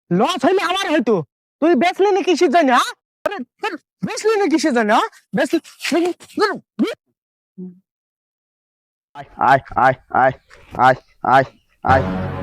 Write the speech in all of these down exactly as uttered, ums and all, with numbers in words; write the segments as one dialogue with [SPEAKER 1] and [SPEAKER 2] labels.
[SPEAKER 1] Loss হইলে আমার হয়তো তুই বেচলি না কিসের জন্য হ্যাঁ? আরে ধুর, বেচলি না কিসের জন্য হ্যাঁ? বেচলি ধুর, ধুর।
[SPEAKER 2] আয় আয় আয় আয় আয় আয় আয়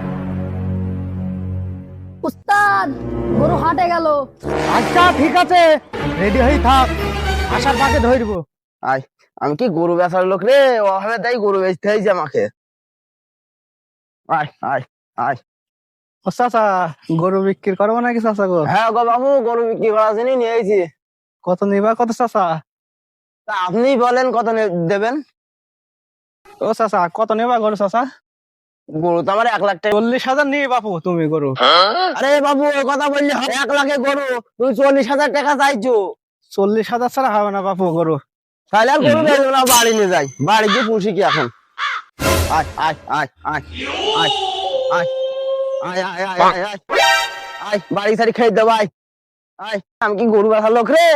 [SPEAKER 3] উস্তাদ গরু হাটে গেল।
[SPEAKER 1] আচ্ছা ঠিক আছে, রেডি হয়ে থাক, আসার পাকে ধরবো।
[SPEAKER 2] আয় আমি কি গরু বেচার লোক রে? ওভাবে তাই গরু বেচতে হয়েছে আমাকে। আয় আয় আয়
[SPEAKER 1] ও চাচা, গরু বিক্রি করবো নাকি চাচা গো?
[SPEAKER 2] হ্যাঁ গো বাবু, গরু বিক্রি করার জন্য নিয়ে এসেছি।
[SPEAKER 1] কত নিবা কত চাচা?
[SPEAKER 2] তা আপনি বলেন কত নে- দেবেন?
[SPEAKER 1] ও চাচা কত নেবা গরু চাচা?
[SPEAKER 2] গরু তো আমার এক লাখ টাকা।
[SPEAKER 1] চল্লিশ হাজার নিয়ে বাপু তুমি গরু।
[SPEAKER 2] আরে বাবু ওই কথা বললে হয়? এক লাখে গরু তুমি চল্লিশ হাজার টাকা চাইছো?
[SPEAKER 1] চল্লিশ হাজার ছাড়া হবে না বাপু গরু।
[SPEAKER 2] তাহলে আর গরু বেচবো না, বাড়ি নিয়ে যাই, বাড়ি গিয়ে পুষি কি এখন। আয় আয় আয় আয় আয় আয় আয় আয় আয় আয় আয় আয় বাড়ি সারি খেয়ে দেবো। আয় আয় আমি কি গরু বেচার লোক রে?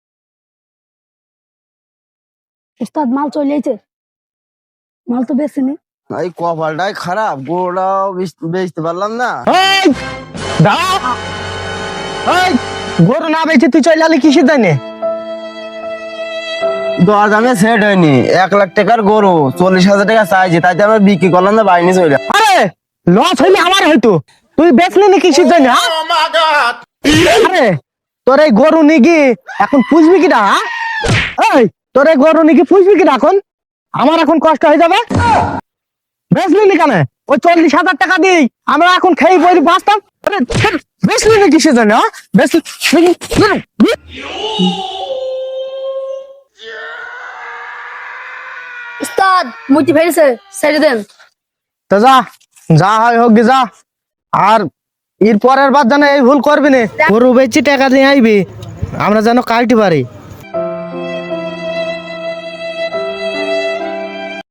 [SPEAKER 3] উস্তাদ মাল চলে এসেছে, মাল তো বেশিনি।
[SPEAKER 2] এই কপালটাই খারাপ, গরুটাও বেচ- বেচতে পারলাম না।
[SPEAKER 1] এই দাঁড়া, এই গরু না বেচে তুই চলে আলি কিসের জন্য?
[SPEAKER 2] দর দামে সেট হয়নি, এক লাখ টাকার গরু চল্লিশ হাজার টাকা চাইছি, তাইতে আমরা বিক্রি করলাম না, বাড়ি নিয়ে চলে এলাম।
[SPEAKER 1] আরে লস হইলে আমার হয়তো তুই বেচলি না কিসের জন্য হ্যাঁ? আরে তোর এই গরু নিগি এখন পুষবি কিনা হ্যাঁ? এই তোর এই গরু নিগি পুষবি কিনা এখন? আমার এখন কষ্ট হয়ে যাবে। বেচলি নি কেন? ওই চল্লিশ হাজার টাকা দিই আমরা এখন খেয়ে বই বাঁচতাম। আরে ধ্যার, বেচলি না কিসের জন্য হ্যাঁ? বেচলি
[SPEAKER 3] উস্তাদ মুটি ফেলেছে, ছেড়ে দেন।
[SPEAKER 1] তো যা, যা হয় হোক গে যা। আর এর পরের বার যেন এই ভুল করবি না, গরু বেচি টাকা দিয়ে আইবি, আমরা যেন কাটতে পারি।